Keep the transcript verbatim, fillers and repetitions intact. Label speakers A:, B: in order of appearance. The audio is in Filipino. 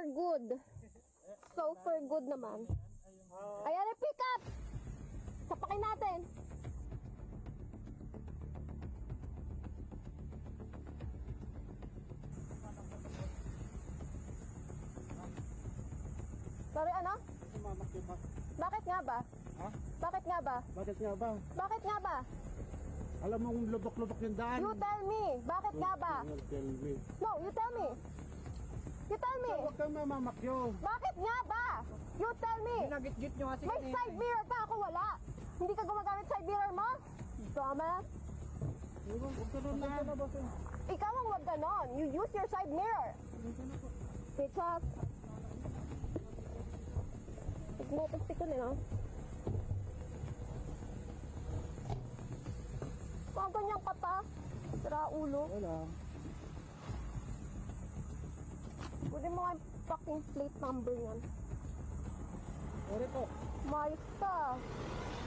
A: good. So for good naman. Ayan, pick up! Sapakin natin. Sorry, ano? Bakit nga ba?
B: Ha?
A: Bakit nga ba?
B: Bakit nga ba?
A: Bakit nga ba?
B: Alam mong lubok-lubok yung daan.
A: You tell me. Bakit nga ba?
B: You tell me.
A: No, you tell me. You tell me.
B: Huwag kang mamamakyo.
A: Bakit nga ba? You tell me.
B: Ginagit-git nyo kasi
A: May side mirror ka, ako wala. Hindi ka gumagamit side mirror mo? Dumbass.
B: Huwag ka nun na.
A: Ikaw ang wag ganon. You use your side mirror. Bitches. Nagmotostick ko nila. Mga ganyang kata. Sira ulo.
B: Wala.
A: Pwede mo nga fucking plate number yan.
B: Sorry po.
A: Mayos ka.